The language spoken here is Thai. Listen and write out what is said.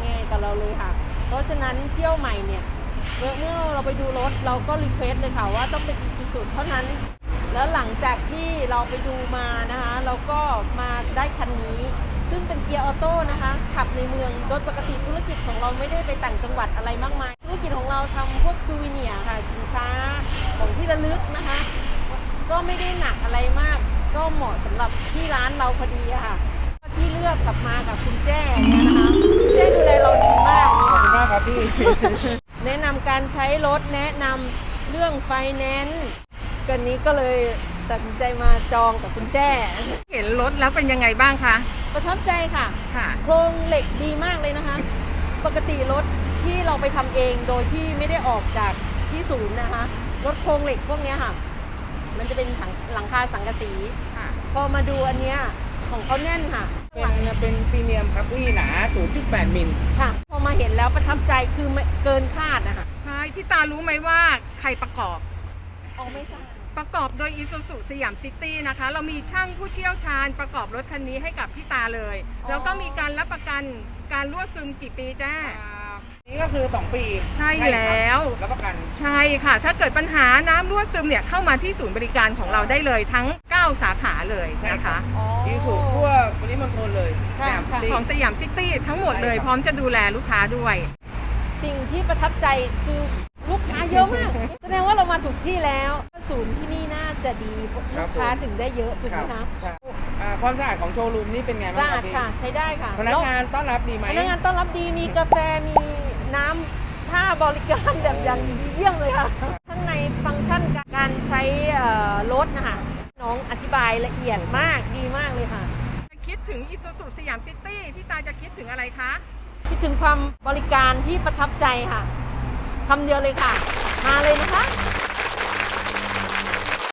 ง่ายๆกับเราเลยค่ะเพราะฉะนั้นเที่ยวใหม่เนี่ยเมื่อเราไปดูรถเราก็รีเควสเลยค่ะว่าต้องเป็น Isuzu เท่านั้นแล้วหลังจากที่เราไปดูมานะคะเราก็มาได้คันนี้ซึ่งเป็นเกียร์ออโต้นะคะขับในเมืองโดยปกติธุรกิจของเราไม่ได้ไปต่างจังหวัดอะไรมากมายธุรกิจของเราทำพวกซูวิเนียร์ค่ะสินค้าของที่ระลึกนะคะก็ไม่ได้หนักอะไรมากก็เหมาะสำหรับที่ร้านเราพอดีค่ะที่เลือกกลับมากับคุณแจ้เนี่ยนะคะคุณแจ้ดูแลเราดีมากขอบคุณมากครับพี่แนะนำการใช้รถแนะนำเรื่องไฟแนนซ์กันนี้ก็เลยตัดสินใจมาจองกับคุณแจ้เห็นรถแล้วเป็นยังไงบ้างคะประทับใจค่ะค่ะโครงเหล็กดีมากเลยนะคะ ปกติรถที่เราไปทำเองโดยที่ไม่ได้ออกจากที่ศูนย์นะคะรถโครงเหล็กพวกนี้ค่ะ มันจะเป็นหลังคาสังกะสีค่ะพอมาดูอันเนี้ยของเขาแน่นค่ะเป็นพรีเมียมครับพี่หนา 0.8 มิลค่ะ พอมาเห็นแล้วประทับใจคือเกินคาดนะคะใช่พี่ตารู้ไหมว่าใครประกอบออกไม่ทราบประกอบโดย Isuzu สยามซิตี้นะคะ เรามีช่างผู้เชี่ยวชาญประกอบรถคันนี้ให้กับพี่ตาเลย แล้วก็มีการรับประกันการรั่วซึมกี่ปีแจ้นี่ก็คือ 2 ปีใช่แล้วรับประกันใช่ค่ะ ถ้าเกิดปัญหาน้ำรั่วซึมเนี่ยเข้ามาที่ศูนย์บริการของเราได้เลยทั้ง 9 สาขาเลยนะคะอีสูทั่วปริมณฑลเลยค่ะสยามซิตี้ของสยามซิตี้ทั้งหมดเลยใช่ครับพร้อมจะดูแลลูกค้าด้วยสิ่งที่ประทับใจคือลูกค้าเยอะมาก แสดงว่าเรามาถูกที่แล้ว ศูนย์ที่นี่น่าจะดีลูกค้าถึงได้เยอะถูกไหมคะใช่ความสะอาดของโชว์รูมนี่เป็นไงสะบ้างคอารัดบพี่ค่ะใช้ได้ค่ะพนักงานต้อนรับดีไหมพนักงานต้อนรับดีมีกาแฟมีน้ำท่าบริการแบบอย่างดีเยี่ยมเลยค่ะข้างในฟังก์ชันการใช้รถนะคะน้องอธิบายละเอียดมากดีมากเลยค่ะคิดถึง Isuzu สยามซิตี้พี่ตาจะคิดถึงอะไรคะคิดถึงความบริการที่ประทับใจค่ะคำเดียวเลยค่ะ มาเลยนะคะ